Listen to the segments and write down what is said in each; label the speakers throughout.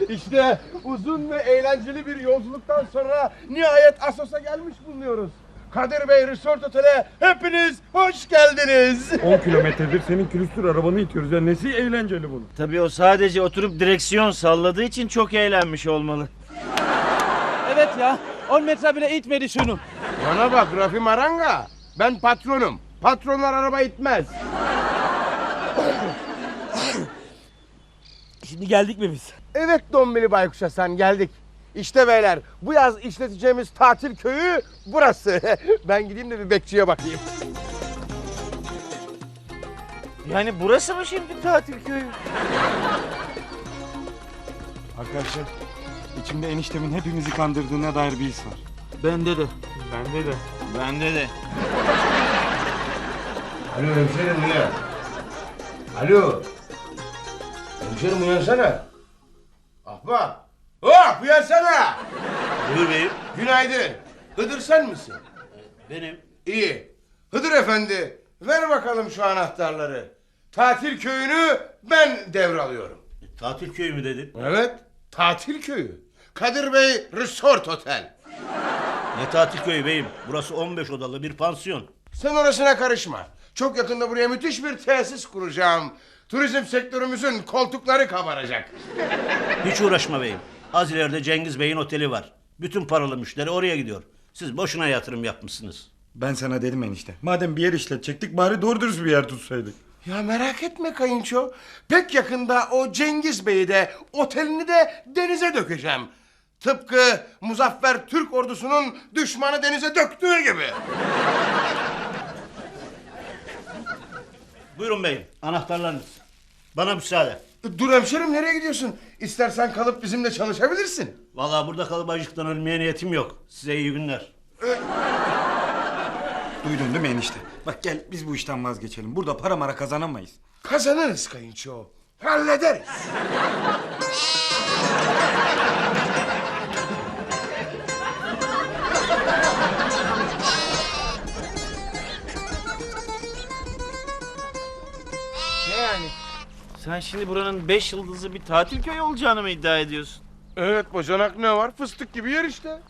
Speaker 1: İşte uzun ve eğlenceli bir yolculuktan sonra nihayet Assos'a gelmiş bulunuyoruz. Kadir Bey Resort Otel'e hepiniz hoş geldiniz.
Speaker 2: 10 kilometredir senin külüstür arabanı itiyoruz ya, nesi eğlenceli bunun?
Speaker 3: Tabii o sadece oturup direksiyon salladığı için çok eğlenmiş olmalı.
Speaker 4: Evet ya, 10 metre bile itmedi şunu.
Speaker 1: Bana bak Rafi Maranga, ben patronum. Patronlar araba itmez.
Speaker 4: Şimdi geldik mi biz?
Speaker 1: Evet Dombili Baykuş Hasan, geldik. İşte beyler, bu yaz işleteceğimiz tatil köyü burası. Ben gideyim de bir bekçiye bakayım.
Speaker 3: Yani burası mı şimdi tatil köyü?
Speaker 2: Arkadaşlar, içimde eniştemin hepimizi kandırdığına dair bir his var.
Speaker 4: Bende de.
Speaker 2: Bende de.
Speaker 3: Bende de.
Speaker 1: Alo hemşerim uyan. Alo. Hemşerim uyansana. Ahbap. Oh uyansana.
Speaker 3: Buyur beyim.
Speaker 1: Günaydın. Hıdır sen misin?
Speaker 3: Benim.
Speaker 1: İyi. Hıdır efendi, ver bakalım şu anahtarları. Tatil köyünü ben devralıyorum.
Speaker 3: Tatil köyü mü dedin?
Speaker 1: Evet, tatil köyü. Kadir Bey Resort Otel.
Speaker 3: Ne tatil köyü beyim? Burası 15 odalı bir pansiyon.
Speaker 1: Sen orasına karışma. Çok yakında buraya müthiş bir tesis kuracağım. Turizm sektörümüzün koltukları kabaracak.
Speaker 3: Hiç uğraşma beyim. Az ileride Cengiz Bey'in oteli var. Bütün paralı müşteri oraya gidiyor. Siz boşuna yatırım yapmışsınız.
Speaker 2: Ben sana dedim enişte. Madem bir yer işletecektik bari doğru dürüst bir yer tutsaydık.
Speaker 1: Ya merak etme kayınço. Pek yakında o Cengiz Bey'i de otelini de denize dökeceğim. Tıpkı Muzaffer Türk ordusunun düşmanı denize döktüğü gibi.
Speaker 3: Buyurun beyim. Anahtarlarınız. Bana müsaade.
Speaker 1: Dur hemşerim, nereye gidiyorsun? İstersen kalıp bizimle çalışabilirsin.
Speaker 3: Vallahi burada kalıp acıktan ölmeye niyetim yok. Size iyi günler.
Speaker 2: Duydun değil mi enişte? Bak gel biz bu işten vazgeçelim. Burada para mara kazanamayız.
Speaker 1: Kazanırız kayınço. Hallederiz.
Speaker 3: Ne yani? Sen şimdi buranın 5 yıldızlı bir tatil köyü olacağını mı iddia ediyorsun?
Speaker 1: Evet bacanak, ne var? Fıstık gibi yer işte.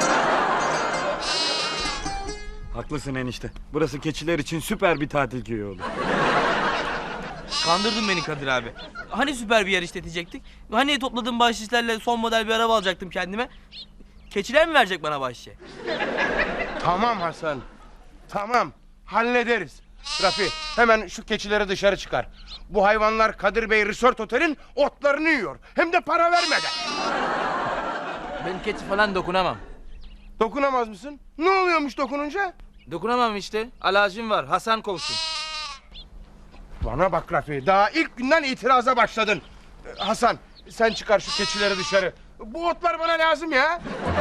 Speaker 2: Haklısın enişte. Burası keçiler için süper bir tatil köyü olur.
Speaker 4: Kandırdın beni Kadir abi. Hani süper bir yer işletecektik? Hani topladığım bahşişlerle son model bir araba alacaktım kendime? Keçiler mi verecek bana bahşişe?
Speaker 1: Tamam Hasan. Tamam. Hallederiz. Rafi, hemen şu keçileri dışarı çıkar. Bu hayvanlar Kadir Bey Resort Otel'in otlarını yiyor. Hem de para vermeden.
Speaker 4: Ben keçi falan dokunamam.
Speaker 1: Dokunamaz mısın? Ne oluyormuş dokununca?
Speaker 4: Dokunamam işte. Alerjim var. Hasan kovsun.
Speaker 1: Bana bak Rafi, daha ilk günden itiraza başladın. Hasan, sen çıkar şu keçileri dışarı. Bu otlar bana lazım ya.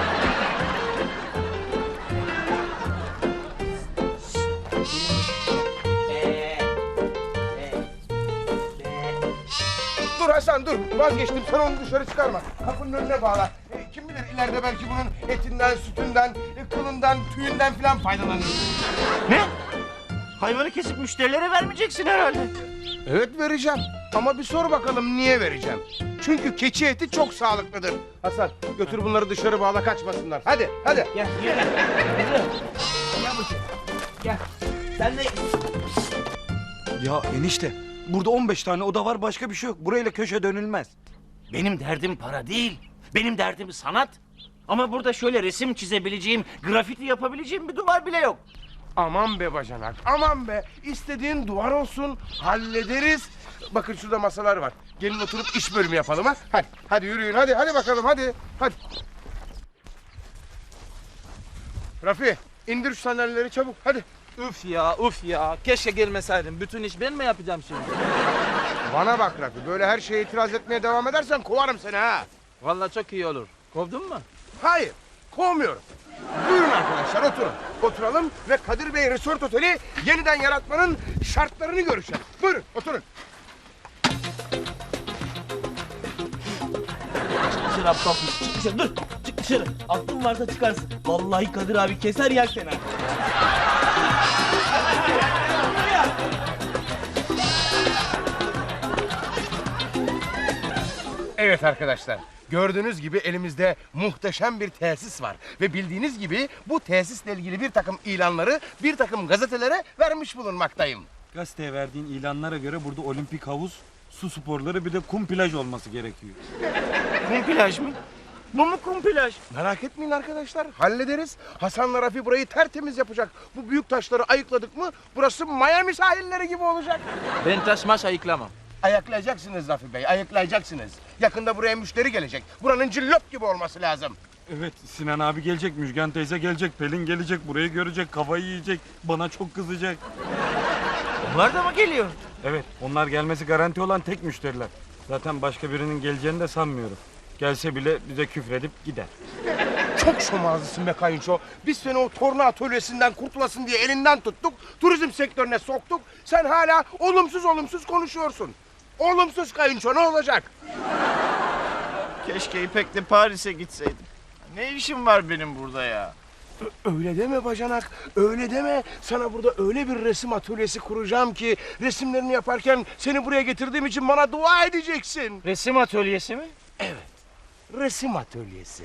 Speaker 1: Dur Hasan dur, vazgeçtim, sen onu dışarı çıkarma. Kapının önüne bağla. Kim bilir ileride belki bunun etinden, sütünden, kılından, tüyünden filan faydalanırız.
Speaker 3: Ne? Hayvanı kesip müşterilere vermeyeceksin herhalde.
Speaker 1: Evet vereceğim, ama bir sor bakalım niye vereceğim. Çünkü keçi eti çok sağlıklıdır. Hasan götür bunları dışarı bağla, kaçmasınlar. Hadi hadi.
Speaker 4: Gel. Gel bakayım. Gel. Sen de...
Speaker 2: Ya enişte burada 15 tane oda var, başka bir şey yok. Burayla köşe dönülmez.
Speaker 3: Benim derdim para değil. Benim derdim sanat. Ama burada şöyle resim çizebileceğim, grafiti yapabileceğim bir duvar bile yok.
Speaker 1: Aman be bacanak, aman be. İstediğin duvar olsun, hallederiz. Bakın şurada masalar var. Gelin oturup iş bölümü yapalım ha. Hadi, hadi yürüyün, hadi bakalım, hadi. Rafi, indir şu sandalyeleri çabuk, hadi.
Speaker 4: Uf ya. Keşke gelmeseydim. Bütün iş ben mi yapacağım şimdi?
Speaker 1: Bana bak Rafi, böyle her şeye itiraz etmeye devam edersen kovarım seni ha.
Speaker 4: Vallahi çok iyi olur. Kovdun mu?
Speaker 1: Hayır, kovmuyorum. Buyurun arkadaşlar, oturun. Oturalım ve Kadir Bey Resort Oteli yeniden yaratmanın şartlarını görüşelim. Buyurun, oturun.
Speaker 4: Dışarı aptal. Çık dışarı dur. Çık dışarı. Aklın varsa çıkarsın. Vallahi Kadir abi keser yer seni.
Speaker 1: Evet arkadaşlar, Gördüğünüz gibi elimizde muhteşem bir tesis var. Ve bildiğiniz gibi bu tesisle ilgili bir takım ilanları bir takım gazetelere vermiş bulunmaktayım.
Speaker 2: Gazeteye verdiğin ilanlara göre burada olimpik havuz, su sporları bir de kum plaj olması gerekiyor.
Speaker 3: Kum plaj mı? Bu mu kum plaj?
Speaker 1: Merak etmeyin arkadaşlar, hallederiz. Hasan'la Rafi burayı tertemiz yapacak. Bu büyük taşları ayıkladık mı burası Miami sahilleri gibi olacak.
Speaker 4: Ben taşmaş ayıklamam.
Speaker 1: Ayıklayacaksınız Rafi Bey, ayıklayacaksınız. Yakında buraya müşteri gelecek. Buranın cillop gibi olması lazım.
Speaker 2: Evet, Sinan abi gelecek, Müjgan teyze gelecek, Pelin gelecek, burayı görecek, kafayı yiyecek, bana çok kızacak.
Speaker 4: Onlar da mı geliyor?
Speaker 2: Evet, onlar gelmesi garanti olan tek müşteriler. Zaten başka birinin geleceğini de sanmıyorum. Gelse bile bize küfredip gider.
Speaker 1: Çok şomazlısın be kayınço. Biz seni o torna atölyesinden kurtulasın diye elinden tuttuk. Turizm sektörüne soktuk. Sen hala olumsuz konuşuyorsun. Olumsuz kayınço, ne olacak?
Speaker 5: Keşke İpek'le Paris'e gitseydim. Ne işim var benim burada ya?
Speaker 1: Öyle deme bacanak, öyle deme. Sana burada öyle bir resim atölyesi kuracağım ki resimlerini yaparken seni buraya getirdiğim için bana dua edeceksin.
Speaker 3: Resim atölyesi mi?
Speaker 1: Resim atölyesi.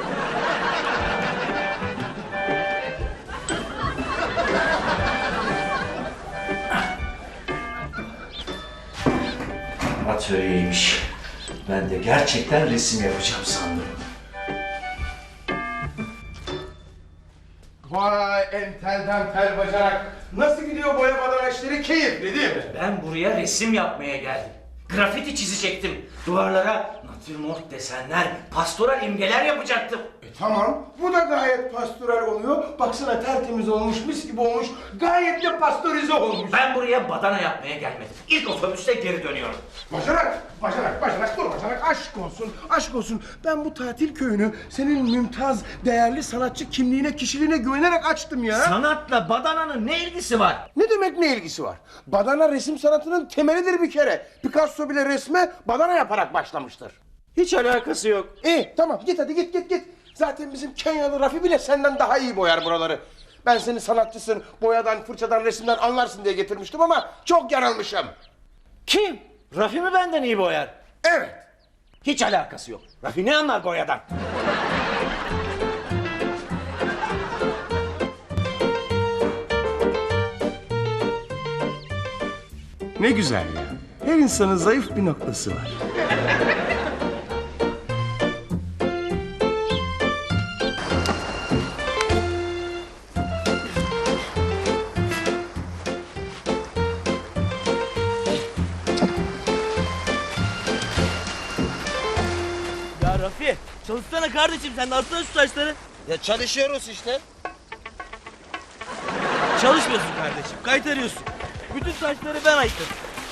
Speaker 3: Atölyeymiş. Ben de gerçekten resim yapacağım sandım.
Speaker 1: Vay entelden tel bacanak. Nasıl gidiyor boya badana işleri? Keyifli değil mi?
Speaker 3: Ben buraya resim yapmaya geldim. Grafiti çizecektim. Duvarlara natürmort desenler, pastoral imgeler yapacaktım.
Speaker 1: Tamam, bu da gayet pastoral oluyor. Baksana tertemiz olmuş, mis gibi olmuş. Gayet de pastörize olmuş.
Speaker 3: Ben buraya badana yapmaya gelmedim. İlk otobüste geri dönüyorum.
Speaker 1: Bacanak, dur bacanak. Aşk olsun. Ben bu tatil köyünü senin mümtaz, değerli sanatçı kimliğine, kişiliğine güvenerek açtım ya.
Speaker 3: Sanatla badananın ne ilgisi var?
Speaker 1: Ne demek ne ilgisi var? Badana resim sanatının temelidir bir kere. Picasso bile resme badana yaparak başlamıştır.
Speaker 3: Hiç alakası yok.
Speaker 1: İyi tamam git hadi git. Zaten bizim Kenyalı Rafi bile senden daha iyi boyar buraları. Ben seni sanatçısın, boyadan, fırçadan, resimden anlarsın diye getirmiştim ama çok yanılmışım.
Speaker 3: Kim? Rafi mi benden iyi boyar?
Speaker 1: Evet.
Speaker 3: Hiç alakası yok. Rafi ne anlar boyadan?
Speaker 1: Ne güzel ya. Her insanın zayıf bir noktası var.
Speaker 4: Ya Rafi çalışsana kardeşim sen de atsana şu taşları.
Speaker 5: Ya çalışıyoruz işte.
Speaker 4: Çalışmıyorsun kardeşim kaytarıyorsun. Bütün taşları ben ayıkladım.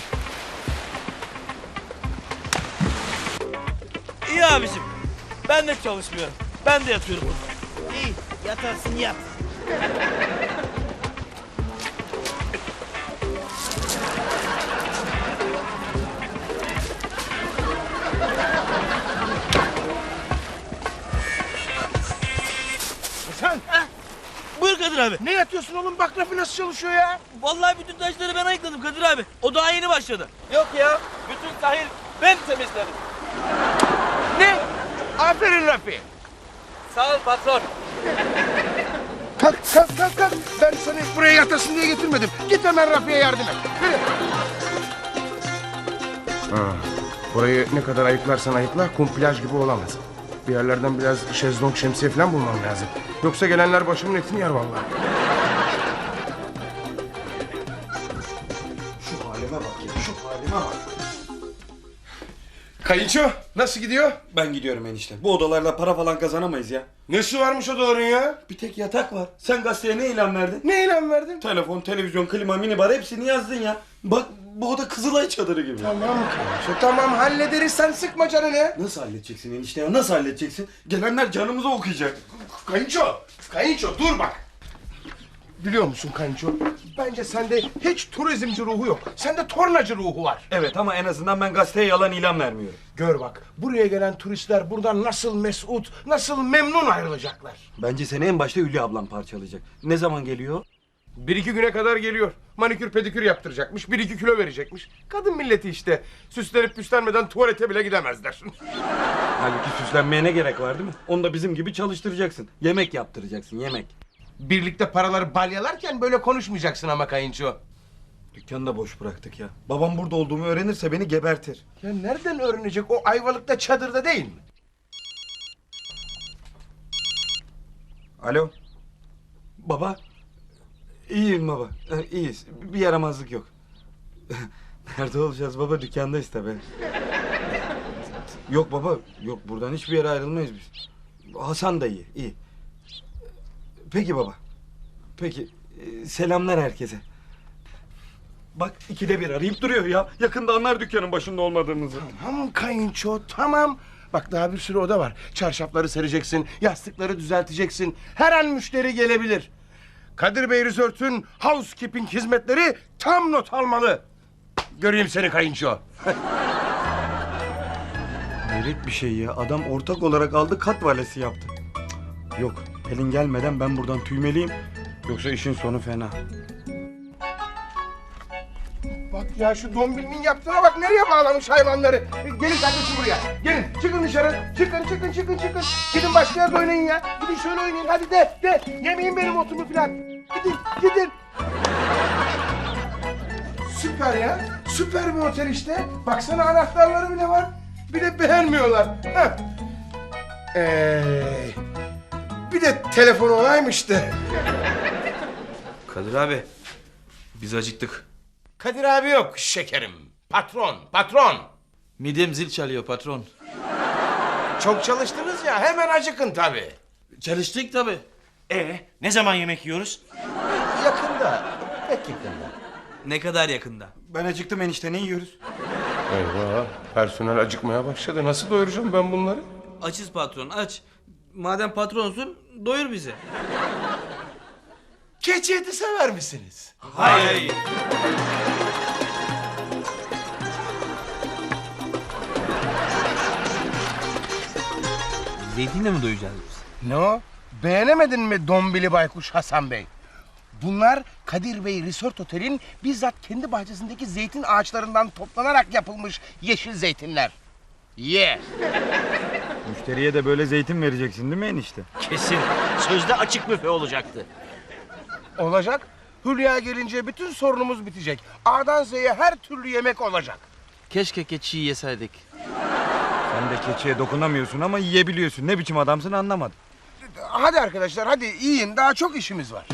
Speaker 4: İyi abicim. Ben de çalışmıyorum. Ben de yatıyorum burada. İyi yatarsın yat.
Speaker 1: Sen
Speaker 4: Buyur Kadir abi.
Speaker 1: ne yatıyorsun oğlum? Bak Rafi nasıl çalışıyor ya.
Speaker 4: Vallahi bütün taşları ben ayıkladım Kadir abi. O daha yeni başladı.
Speaker 5: Yok ya, bütün sahil ben temizledim.
Speaker 1: Ne? Aferin Rafi.
Speaker 5: Sağ ol patron.
Speaker 1: Kalk. Ben seni buraya yatasın diye getirmedim. Git hemen Rafi'ye yardım et. Yürü. Burayı ne kadar ayıklarsan ayıkla kum plaj gibi olamaz. Bir yerlerden biraz şezlong şemsiye falan bulmam lazım. Yoksa gelenler başımın etini yer vallahi. Şu halime bak ya, şu halime bak. Kayınço nasıl gidiyor?
Speaker 2: Ben gidiyorum enişte. Bu odalarla para falan kazanamayız ya.
Speaker 1: Nesi varmış odaların ya?
Speaker 2: Bir tek yatak var. Sen gazeteye ne ilan verdin?
Speaker 1: Ne ilan verdin?
Speaker 2: Telefon, televizyon, klima, minibar hepsini yazdın ya. Bak bu oda Kızılay çadırı gibi.
Speaker 1: Tamam Kayınço tamam hallederiz sen sıkma canını.
Speaker 2: Nasıl halledeceksin enişte ya? Nasıl halledeceksin? Gelenler canımızı okuyacak.
Speaker 1: Kayınço dur bak. Biliyor musun Kayınço? Bence sende hiç turizmci ruhu yok. Sende tornacı ruhu var.
Speaker 2: Evet ama en azından ben gazeteye yalan ilan vermiyorum.
Speaker 1: Gör bak buraya gelen turistler buradan nasıl mesut, nasıl memnun ayrılacaklar.
Speaker 2: Bence seni en başta Hülya ablam parçalayacak. Ne zaman geliyor?
Speaker 1: Bir iki güne kadar geliyor. Manikür pedikür yaptıracakmış. 1-2 kilo verecekmiş. Kadın milleti işte. Süslenip püslenmeden tuvalete bile gidemezler.
Speaker 2: Halbuki süslenmeye ne gerek var değil mi? Onu da bizim gibi çalıştıracaksın. Yemek yaptıracaksın, yemek.
Speaker 1: Birlikte paraları balyalarken böyle konuşmayacaksın ama kayınço.
Speaker 2: Dükkanı da boş bıraktık ya. Babam burada olduğumu öğrenirse beni gebertir.
Speaker 1: Ya nereden öğrenecek? O Ayvalık'ta çadırda değil mi?
Speaker 2: Alo. Baba. İyiyim baba. İyiyiz. Bir yaramazlık yok. Nerede olacağız baba? Dükkandayız tabii. Yok baba. Yok, buradan hiçbir yere ayrılmayız biz. Hasan da iyi. İyi. Peki baba. Peki. Selamlar herkese. Bak 2'de 1 arayıp duruyor ya. Yakında anlar dükkanın başında olmadığımızı.
Speaker 1: Tamam kayınço tamam. Bak daha bir sürü oda var. Çarşafları sereceksin, yastıkları düzelteceksin. Her an müşteri gelebilir. Kadir Bey Resort'un housekeeping hizmetleri tam not almalı. Göreyim seni kayınço.
Speaker 2: Hayret bir şey ya. Adam ortak olarak aldı, kat valesi yaptı. Yok, Pelin gelmeden ben buradan tüymeliyim. Yoksa işin sonu fena.
Speaker 1: Bak ya şu dombilinin yaptığına bak, nereye bağlamış hayvanları. Gelin kardeşim buraya. Gelin çıkın dışarı. Çıkın. Gidin başka yerde oynayın ya. Gidin şöyle oynayın hadi de. Yemeyin benim otumu falan. Gidin. Süper ya. Süper bir otel işte. Baksana anahtarları bile var. Bir de beğenmiyorlar. Heh. Bir de telefon olaymış da.
Speaker 4: Kadir abi, biz acıktık.
Speaker 1: Kadir abi yok şekerim. Patron.
Speaker 6: Midem zil çalıyor patron.
Speaker 1: Çok çalıştınız ya, hemen acıkın tabii.
Speaker 6: Çalıştık tabii.
Speaker 3: Ne zaman yemek yiyoruz?
Speaker 1: Yakında, pek yakında.
Speaker 4: Ne kadar yakında?
Speaker 2: Ben acıktım enişte, ne yiyoruz?
Speaker 1: Eyvah, personel acıkmaya başladı. Nasıl doyuracağım ben bunları?
Speaker 4: Açız patron, aç. Madem patronsun, doyur bizi.
Speaker 1: Keçi eti sever misiniz?
Speaker 4: Hayır. Zeytinle mi doyacağız biz?
Speaker 1: Ne o? Beğenemedin mi Dombili Baykuş Hasan Bey? Bunlar Kadir Bey Resort Otel'in bizzat kendi bahçesindeki zeytin ağaçlarından toplanarak yapılmış yeşil zeytinler. Ye!
Speaker 2: Müşteriye de böyle zeytin vereceksin değil mi enişte?
Speaker 3: Kesin. Sözde açık büfe olacaktı.
Speaker 1: Olacak. Hülya gelince bütün sorunumuz bitecek. A'dan Z'ye her türlü yemek olacak.
Speaker 6: Keşke keçiyi yeseydik.
Speaker 2: Sen de keçiye dokunamıyorsun ama yiyebiliyorsun. Ne biçim adamsın anlamadım.
Speaker 1: Hadi arkadaşlar hadi yiyin, daha çok işimiz var.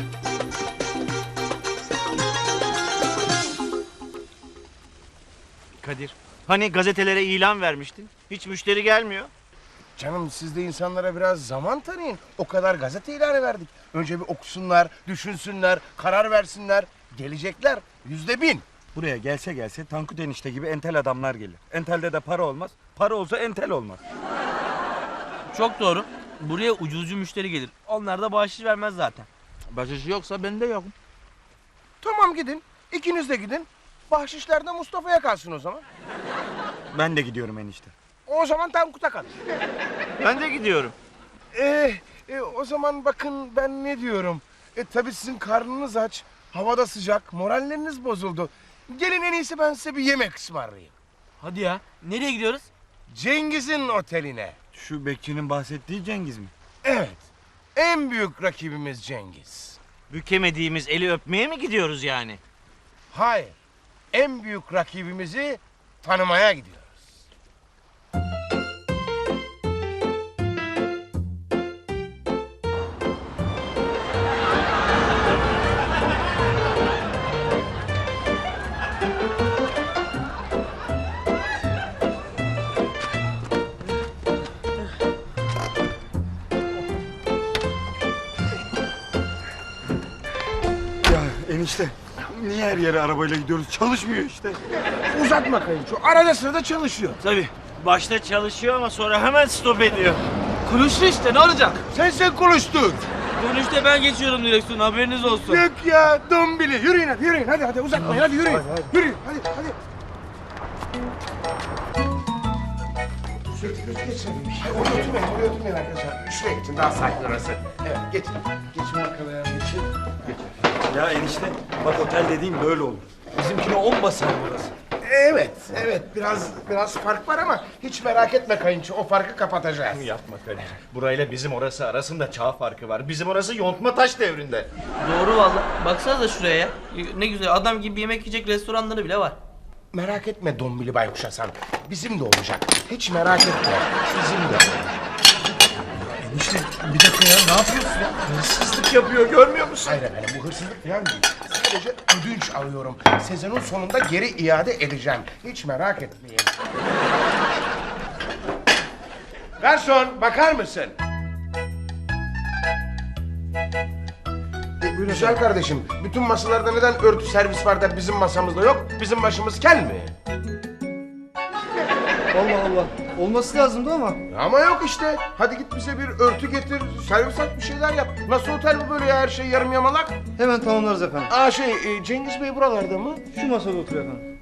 Speaker 3: Kadir, hani gazetelere ilan vermiştin? Hiç müşteri gelmiyor.
Speaker 1: Canım siz de insanlara biraz zaman tanıyın. O kadar gazete ilanı verdik. Önce bir okusunlar, düşünsünler, karar versinler. Gelecekler %1000.
Speaker 2: Buraya gelse Tankut enişte gibi entel adamlar gelir. Entelde de para olmaz. Para olsa entel olmaz.
Speaker 4: Çok doğru. Buraya ucuzcu müşteri gelir. Onlar da bahşiş vermez zaten.
Speaker 6: Başışı yoksa ben de yokum.
Speaker 1: Tamam gidin. İkiniz de gidin. Bahşişler de Mustafa'ya kalsın o zaman.
Speaker 2: Ben de gidiyorum enişte.
Speaker 1: O zaman Tankut'a kalır.
Speaker 3: Ben de gidiyorum.
Speaker 1: O zaman bakın ben ne diyorum. Tabii sizin karnınız aç. Havada sıcak. Moralleriniz bozuldu. Gelin en iyisi ben size bir yemek ısmarlayayım.
Speaker 4: Hadi ya. Nereye gidiyoruz?
Speaker 1: Cengiz'in oteline.
Speaker 2: Şu bekçinin bahsettiği Cengiz mi?
Speaker 1: Evet. En büyük rakibimiz Cengiz.
Speaker 3: Bükemediğimiz eli öpmeye mi gidiyoruz yani?
Speaker 1: Hayır. En büyük rakibimizi tanımaya gidiyoruz.
Speaker 2: Ya enişte niye her yere arabayla gidiyoruz? Çalışmıyor işte.
Speaker 1: Uzatma kayınço. Arada sırada çalışıyor.
Speaker 3: Tabii. Başta çalışıyor ama sonra hemen stop ediyor.
Speaker 4: Kuruşlu işte, ne olacak?
Speaker 1: Sen konuştun.
Speaker 4: Dönüşte ben geçiyorum direksiyon, haberiniz olsun.
Speaker 1: Yok ya Dombili. Yürüyün hadi uzatmayın hadi yürüyün. Yürüyün hadi. Geçin. Oraya oturmayın arkadaşlar. Şuraya geçin, daha sakin orası. Evet geçin. Geçin bakalım. Geçin.
Speaker 2: Ya enişte bak otel dediğin böyle olur. Bizimkine 10 basar burası.
Speaker 1: Evet biraz fark var ama hiç merak etme kayınço, o farkı kapatacağız.
Speaker 5: Yapma Kadir. Burayla bizim orası arasında çağ farkı var. Bizim orası yontma taş devrinde.
Speaker 4: Doğru valla. Baksanıza şuraya ya. Ne güzel adam gibi yemek yiyecek restoranları bile var.
Speaker 1: Merak etme Dombili Baykuş Hasan, bizim de olacak. Hiç merak etme, bizim de.
Speaker 5: Enişte bir dakika ya, ne yapıyorsun ya? Hırsızlık yapıyor, görmüyor musun?
Speaker 1: Hayır efendim, bu hırsızlık falan değil. Sadece ödünç alıyorum. Sezonun sonunda geri iade edeceğim. Hiç merak etmeyin. Garson, bakar mısın? Güzel kardeşim, bütün masalarda neden örtü servis var da bizim masamızda yok? Bizim başımız kel mi?
Speaker 7: Allah Allah. Olması lazımdı ama.
Speaker 1: Ama yok işte. Hadi git bize bir örtü getir, servis at, bir şeyler yap. Nasıl otel bu böyle ya, her şey yarım yamalak?
Speaker 7: Hemen tamamlarız efendim.
Speaker 1: Cengiz Bey buralarda mı?
Speaker 7: Şu masada oturuyor efendim.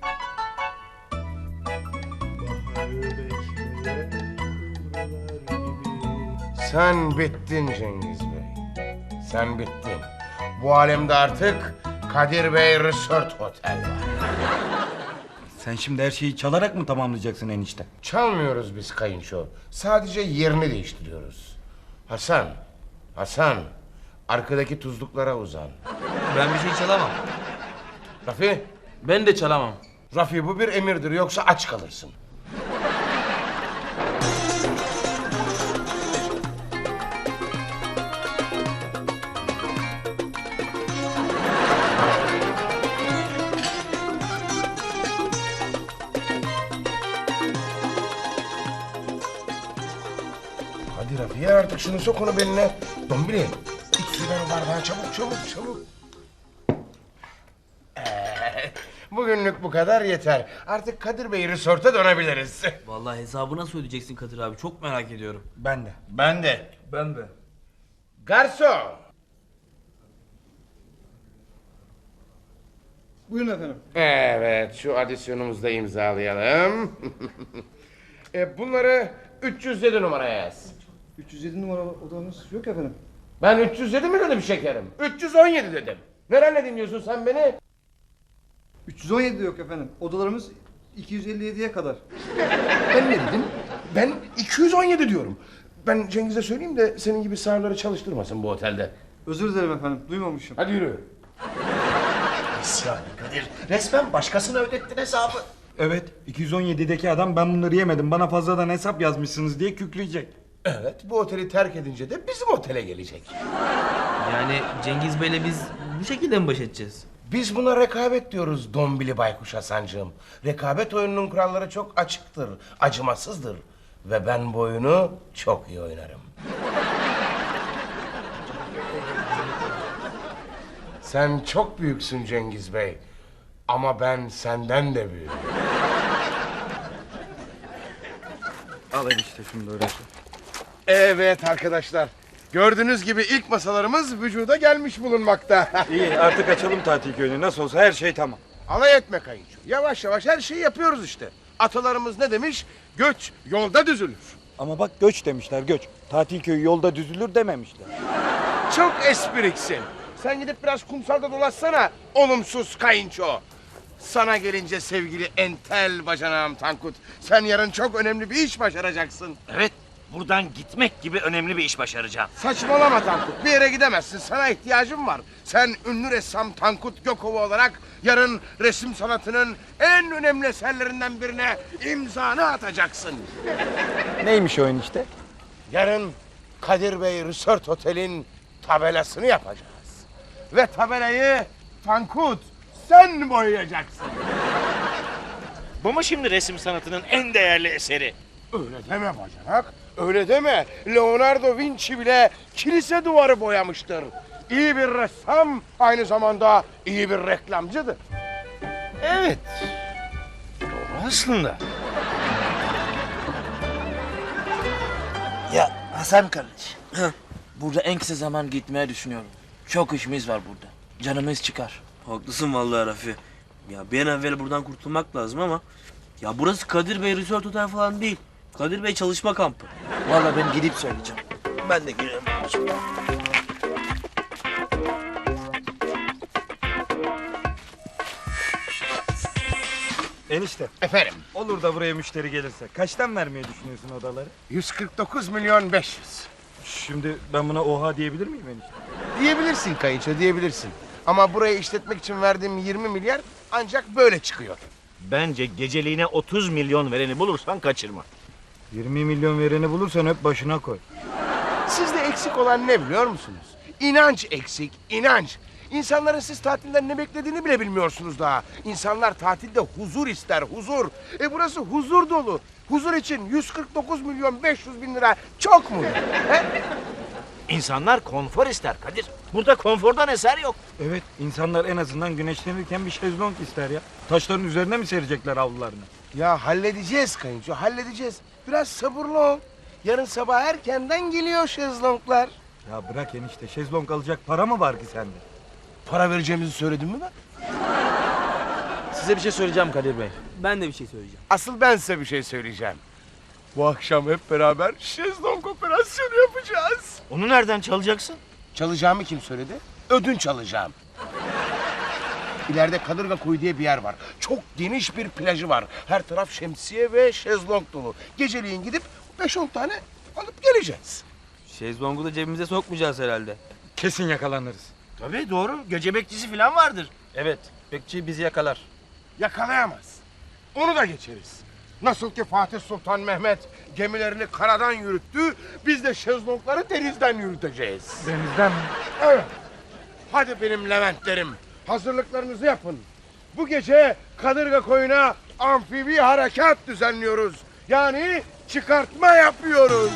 Speaker 1: Sen bittin Cengiz Bey. Sen bittin. Bu alemde artık Kadir Bey Resort Otel var.
Speaker 2: Sen şimdi her şeyi çalarak mı tamamlayacaksın enişte?
Speaker 1: Çalmıyoruz biz kayınço. Sadece yerini değiştiriyoruz. Hasan, arkadaki tuzluklara uzan.
Speaker 4: Ben bir şey çalamam.
Speaker 1: Rafi,
Speaker 6: Ben de çalamam.
Speaker 1: Rafi bu bir emirdir, yoksa aç kalırsın. Hadi Rafi, yer artık şunu, sok onu beline. Dombili, iç sudan o bardağı, çabuk. Bugünlük bu kadar yeter. Artık Kadir Bey Resort'a dönebiliriz.
Speaker 4: Vallahi hesabı nasıl ödeyeceksin Kadir abi? Çok merak ediyorum.
Speaker 2: Ben de.
Speaker 5: Ben de.
Speaker 7: Ben de.
Speaker 1: Garson!
Speaker 7: Buyurun efendim.
Speaker 1: Evet, şu adisyonumuzu da imzalayalım. Bunları 307 numaraya yaz.
Speaker 7: 307 numara odamız yok efendim.
Speaker 1: Ben 307 mi dedim şekerim? 317 dedim. Nereden dinliyorsun sen beni?
Speaker 7: 317 de yok efendim. Odalarımız 257'ye kadar.
Speaker 1: Ben ne dedim? Ben 217 diyorum. Ben Cengiz'e söyleyeyim de senin gibi sağırları çalıştırmasın bu otelde.
Speaker 7: Özür dilerim efendim. Duymamışım.
Speaker 1: Hadi yürü.
Speaker 5: İsyan Kadir. Resmen başkasına ödettin hesabı.
Speaker 2: Evet 217'deki adam ben bunları yemedim bana fazladan hesap yazmışsınız diye kükreyecek.
Speaker 1: Evet, bu oteli terk edince de bizim otele gelecek.
Speaker 4: Yani Cengiz Bey'le biz bu şekilde mi baş edeceğiz?
Speaker 1: Biz buna rekabet diyoruz Dombili Baykuş Hasancığım. Rekabet oyununun kuralları çok açıktır, acımasızdır. Ve ben bu oyunu çok iyi oynarım. Sen çok büyüksün Cengiz Bey. Ama ben senden de büyüğüm.
Speaker 2: Al enişte şunu da öyle.
Speaker 1: Evet arkadaşlar. Gördüğünüz gibi ilk masalarımız vücuda gelmiş bulunmakta.
Speaker 2: İyi artık açalım tatil köyünü nasıl olsa her şey tamam.
Speaker 1: Alay etme kayınço. Yavaş yavaş her şeyi yapıyoruz işte. Atalarımız ne demiş? Göç yolda düzülür.
Speaker 2: Ama bak göç demişler göç. Tatil köyü yolda düzülür dememişler.
Speaker 1: Çok espriksin. Sen gidip biraz kumsalda dolaşsana olumsuz kayınço. Sana gelince sevgili entel bacanağım Tankut. Sen yarın çok önemli bir iş başaracaksın.
Speaker 3: Evet, buradan gitmek gibi önemli bir iş başaracağım.
Speaker 1: Saçmalama Tankut. Bir yere gidemezsin. Sana ihtiyacım var. Sen ünlü ressam Tankut Gökova olarak yarın resim sanatının en önemli eserlerinden birine imzanı atacaksın.
Speaker 2: Neymiş o enişte?
Speaker 1: Yarın Kadir Bey Resort Otel'in tabelasını yapacağız. Ve tabelayı Tankut sen boyayacaksın.
Speaker 3: Bu mu şimdi resim sanatının en değerli eseri?
Speaker 1: Öyle deme bacanak. Öyle deme. Leonardo Vinci bile kilise duvarı boyamıştır. İyi bir ressam aynı zamanda iyi bir reklamcıdır.
Speaker 3: Evet. Doğru aslında.
Speaker 8: Ya Hasan kardeş. Burada en kısa zaman gitmeye düşünüyorum. Çok işimiz var burada. Canımız çıkar.
Speaker 4: Haklısın vallahi Rafi. Ya bir an evvel buradan kurtulmak lazım ama... Ya burası Kadir Bey Resort Otel falan değil. Kadir Bey çalışma kampı.
Speaker 8: Vallahi ben gidip söyleyeceğim. Ben de girerim.
Speaker 2: Enişte,
Speaker 1: Efendim,
Speaker 2: olur da buraya müşteri gelirse kaçtan vermeyi düşünüyorsun odaları?
Speaker 1: 149 milyon 500.
Speaker 2: Şimdi ben buna oha diyebilir miyim enişte?
Speaker 1: Diyebilirsin kayınço, diyebilirsin. Ama burayı işletmek için verdiğim 20 milyar ancak böyle çıkıyor.
Speaker 3: Bence geceliğine 30 milyon vereni bulursan kaçırma.
Speaker 2: 20 milyon vereni bulursan hep başına koy.
Speaker 1: Sizde eksik olan ne biliyor musunuz? İnanç eksik, inanç. İnsanların siz tatilden ne beklediğini bile bilmiyorsunuz daha. İnsanlar tatilde huzur ister, huzur. Burası huzur dolu. Huzur için 149 milyon 500 bin lira çok mu? He?
Speaker 3: İnsanlar konfor ister Kadir. Burada konfordan eser yok.
Speaker 2: Evet, insanlar en azından güneşlenirken bir şezlong ister ya. Taşların üzerine mi serecekler avlularını?
Speaker 1: Ya halledeceğiz kayınço, halledeceğiz. Biraz sabırlı ol. Yarın sabah erkenden geliyor şezlonglar.
Speaker 2: Ya bırak enişte, şezlong alacak para mı var ki sende?
Speaker 1: Para vereceğimizi söyledim mi ben?
Speaker 6: Size bir şey söyleyeceğim Kadir Bey.
Speaker 4: Ben de bir şey söyleyeceğim.
Speaker 1: Asıl ben size bir şey söyleyeceğim. Bu akşam hep beraber şezlong operasyonu yapacağız.
Speaker 3: Onu nereden çalacaksın?
Speaker 1: Çalacağımı kim söyledi? Ödünç alacağım. İleride Kadırga Koyu diye bir yer var. Çok geniş bir plajı var. Her taraf şemsiye ve şezlong dolu. Geceliğin gidip 5-10 tane alıp geleceğiz.
Speaker 4: Şezlongu da cebimize sokmayacağız herhalde.
Speaker 2: Kesin yakalanırız.
Speaker 3: Tabii doğru. Gece bekçisi falan vardır.
Speaker 6: Evet, bekçi bizi yakalar.
Speaker 1: Yakalayamaz. Onu da geçeriz. Nasıl ki Fatih Sultan Mehmet gemilerini karadan yürüttü, biz de şezlongları denizden yürüteceğiz.
Speaker 2: Denizden mi?
Speaker 1: Evet. Hadi benim Leventlerim, hazırlıklarınızı yapın. Bu gece Kadırga Koyu'na amfibi harekat düzenliyoruz. Yani çıkartma yapıyoruz.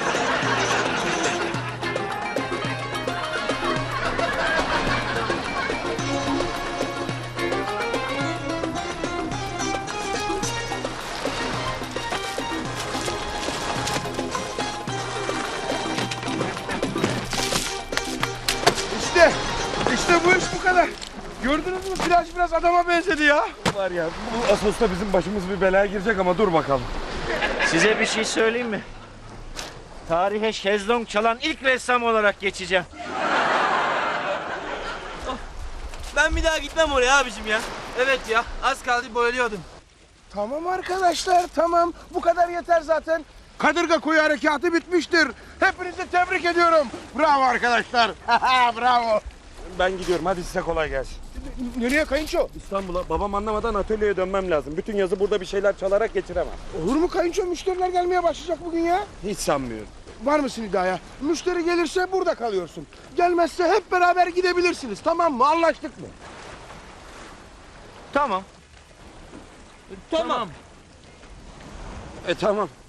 Speaker 1: İşte bu iş bu kadar. Gördünüz mü? Plaj biraz adama benzedi ya.
Speaker 2: Var ya, bu Asos'ta bizim başımız bir belaya girecek ama dur bakalım.
Speaker 3: Size bir şey söyleyeyim mi? Tarihe şezlong çalan ilk ressam olarak geçeceğim.
Speaker 4: Ben bir daha gitmem oraya abicim ya. Evet ya, az kaldı boyalıyordum.
Speaker 1: Tamam arkadaşlar, tamam. Bu kadar yeter zaten. Kadırga Koyu harekatı bitmiştir. Hepinizi tebrik ediyorum. Bravo arkadaşlar. Bravo.
Speaker 2: Ben gidiyorum, hadi size kolay gelsin.
Speaker 1: Nereye kayınço?
Speaker 2: İstanbul'a babam anlamadan atölyeye dönmem lazım. Bütün yazı burada bir şeyler çalarak geçiremem.
Speaker 1: Olur mu kayınço? Müşteriler gelmeye başlayacak bugün ya.
Speaker 2: Hiç sanmıyorum.
Speaker 1: Var mısın iddiaya? Müşteri gelirse burada kalıyorsun. Gelmezse hep beraber gidebilirsiniz. Tamam mı? Anlaştık mı?
Speaker 3: Tamam.
Speaker 4: Tamam.
Speaker 2: Tamam.